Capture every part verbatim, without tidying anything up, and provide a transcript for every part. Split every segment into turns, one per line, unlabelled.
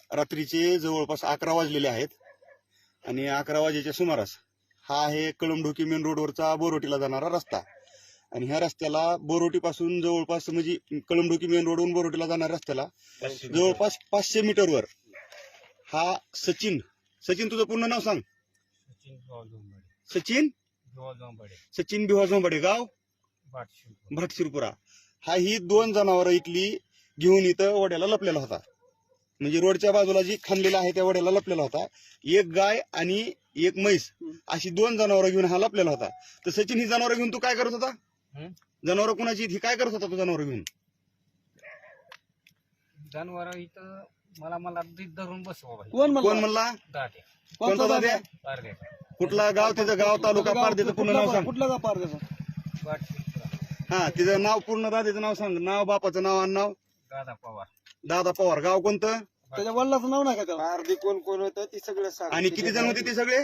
रात्रीचे जवळपास अकरा वाजलेले आहेत आणि अकरा वाजेच्या सुमारास हा आहे कळमढोकी मेन रोडवरचा बोरोटीला जाणारा रस्ता आणि ह्या रस्त्याला बोरोटी पासून जवळपास म्हणजे कळमढोकी मेन रोडवरून बोरोटीला जाणाऱ्या रस्त्याला जवळपास पाचशे मीटरवर हा सचिन सचिन तुझं पूर्ण नाव सांग. सचिन सचिन भिवा झोंबाडे गाव भाटशिरपुरा हा ही दोन जनावरं इथली घेऊन इथं वड्याला लपलेला होता. म्हणजे रोडच्या बाजूला जी खांदलेला आहे त्या वड्याला लपलेला होता. एक गाय आणि एक म्हैस अशी दोन जनावरं घेऊन हा लपलेला होता. तर सचिन ही जनावरं घेऊन तू काय करत होता? जनावरं कुणाची ही काय करत होता तू जनावरं घेऊन?
जनावर इथं मला मला धरून बसवा.
कोण कोण म्हणला? कोणता दाद्या? कुठला गाव? त्याचं गाव तालुका पारदेचं पूर्ण नाव सांग.
कुठला गाव पारदेचं?
हा तिचं नाव पूर्ण दाद्याचं नाव सांग. नाव बापाचं नाव आणि नाव?
दादा पवार.
दादा पवार. गाव कोणतं?
त्याच्या वडिलाचं नाव नाही का त्याला?
पारधी कोण कोण होतं ती सगळं सांग.
आणि किती जण होते ते सगळे?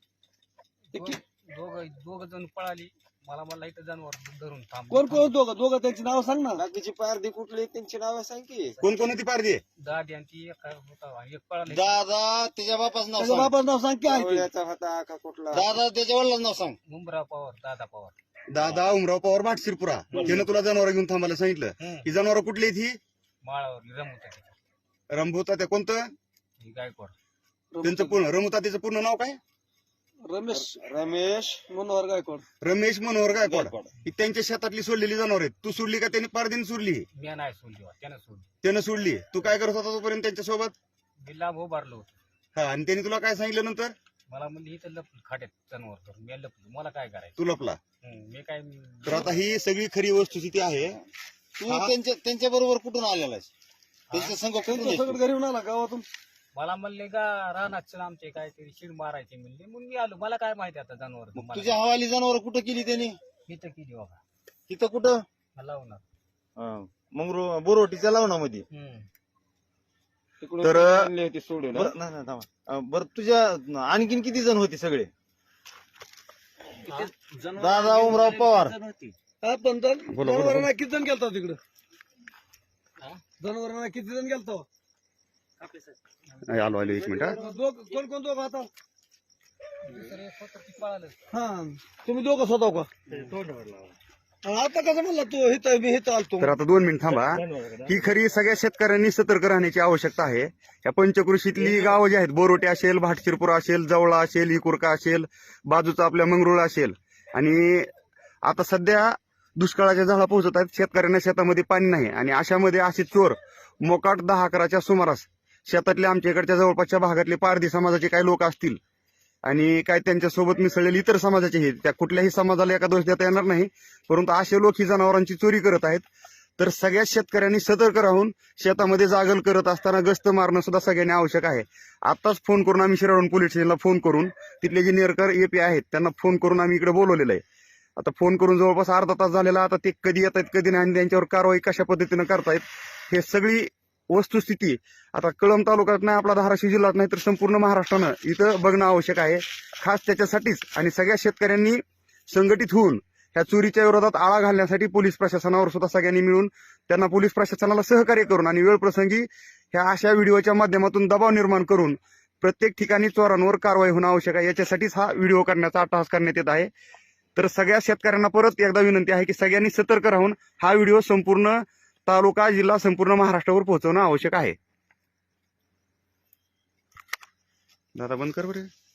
दोघ दोघ जण पळाली. मला मला इथं जनावर धरून थांब.
कोण कोण दोघं दोघं त्यांची नाव सांग ना.
बाकीची पारधी कुठली त्यांची नावं सांग की.
कोण कोण होती पारदी?
दादी आणि ती एक होता एक पळाली.
दादा त्याच्या बापाचं नाव
त्याच्या
सांग.
बाबाचं नाव सांग की आहे ते.
आवळ्याचा होता का कुठला?
दादा त्याच्या वडिलांचं नाव सांग.
मुंबरा पवार. दादा पवार.
दादा उमराव पवार भाटशिरपुरा. त्यानं तुला जनावर घेऊन थांबायला सांगितलं. ही जनावर कुठली आहेत ही?
माळावर रमवता
रंभूता त्या कोणतं?
ही गायकवाड.
त्यांचं पूर्ण रमुता त्याचं पूर्ण नाव काय?
रमेश
रमेश
मनोहर गायकवाड.
रमेश मनोहर गायकवाड. ही त्यांच्या शेतातली सोडलेली जनावर आहेत. तू सोडली का त्यांनी पारदीने सोडली?
मी नाही सोडली बा, त्यानं सोडली.
त्यानं सोडली. तू काय करत होता तोपर्यंत त्यांच्या सोबत?
मी लांब उभारलो होतो.
हा आणि त्यांनी तुला काय सांगितलं नंतर?
मला म्हणली इथं लपलं खाट्यात जनावर धरून. मी लपलो. मला काय करायचं?
तू लपला.
हं, मी काय
तर आता ही सगळी खरी वस्तुस्थिती आहे.
तू त्यांच्या त्यांच्या बरोबर कुठून आलेला आहेस? त्यांच्या संघ कुठून
त्यांचं
येतो?
सगळं घरी येऊन आला गावातून.
मला म्हणले का रानात चल आमचे काहीतरी शिड मारायचे म्हणले. मग मी आलो. मला काय माहिती आता जनावर
तुझ्या हवाली जनावर कुठं केली त्यांनी?
इथं केली बाबा.
तिथं कुठं?
लावणार.
हा. मग रो- बोरोटीच्या लावणामध्ये.
हम्म.
तिकडून
तर-
आणली होती सोडून.
बरं नाही नाही थांबा. अं, बरं तुझ्या आणखीन किती जण होते सगळे? दादा उमराव पवार.
हा पण जन- जनावरांना किती जण गेलता तिकडं? जनावरांना किती जण गेलतो?
आलो आलो एक मिनिट हा.
दोघ कोण कोण दोघं आता?
दुसरं एक होतं ते पळालं.
हा तुम्ही दोघं स्वतः का? आणि आता कसं म्हणला तू हिथं मी हिथं आलतो?
तर आता दोन मिनिट थांबा. ही खरी सगळ्या शेतकऱ्यांनी सतर्क राहण्याची आवश्यकता आहे. या पंचकृषीतली गावं जी आहेत, बोरोटे असेल, भाटशिरपुरा असेल, जवळा असेल, इकुरका असेल, बाजूचा आपल्या मंगरुळ असेल आणि आता सध्या दुष्काळाच्या झाडा पोहोचत आहेत. शेतकऱ्यांना शेतामध्ये पाणी नाही आणि अशामध्ये असे चोर मोकाट दहा अकराच्या सुमारास शेतातले आमच्या इकडच्या जवळपासच्या भागातले पारधी समाजाचे काही लोक असतील आणि काय त्यांच्यासोबत मिसळलेले इतर समाजाचे आहेत. त्या कुठल्याही समाजाला एका दोष देता येणार नाही, परंतु असे लोक ही जनावरांची चोरी करत आहेत. तर सगळ्या शेतकऱ्यांनी सतर्क राहून शेतामध्ये जागल करत असताना गस्त मारणं सुद्धा सगळ्यांनी आवश्यक आहे. आताच फोन करून आम्ही शिराळून पोलीस स्टेशनला फोन करून तिथले जे निरकर एपी आहेत त्यांना फोन करून आम्ही इकडे बोलवलेलं आहे. आता फोन करून जवळपास अर्धा तास झालेला. आता ते कधी येत आहेत कधी नाही आणि त्यांच्यावर कारवाई कशा पद्धतीनं करतायत हे सगळी वस्तुस्थिती आता कळंब तालुक्यात नाही, आपला धाराशिव जिल्ह्यात नाही तर संपूर्ण महाराष्ट्रानं इथं बघणं आवश्यक आहे. खास त्याच्यासाठीच आणि सगळ्या शेतकऱ्यांनी संघटित होऊन ह्या चोरीच्या विरोधात आळा घालण्यासाठी पोलीस प्रशासनावर सुद्धा सगळ्यांनी मिळून त्यांना पोलीस प्रशासनाला सहकार्य करून आणि वेळप्रसंगी ह्या अशा व्हिडिओच्या माध्यमातून दबाव निर्माण करून प्रत्येक ठिकाणी चोरांवर कारवाई होणं आवश्यक आहे. याच्यासाठीच हा व्हिडिओ करण्याचा अट्टहास करण्यात येत आहे. तर सगळ्या शेतकऱ्यांना परत एकदा विनंती आहे की सगळ्यांनी सतर्क राहून हा व्हिडिओ संपूर्ण तालुका जिल्हा संपूर्ण महाराष्ट्रावर पोहोचवणं आवश्यक आहे. दादा बंद कर बरं.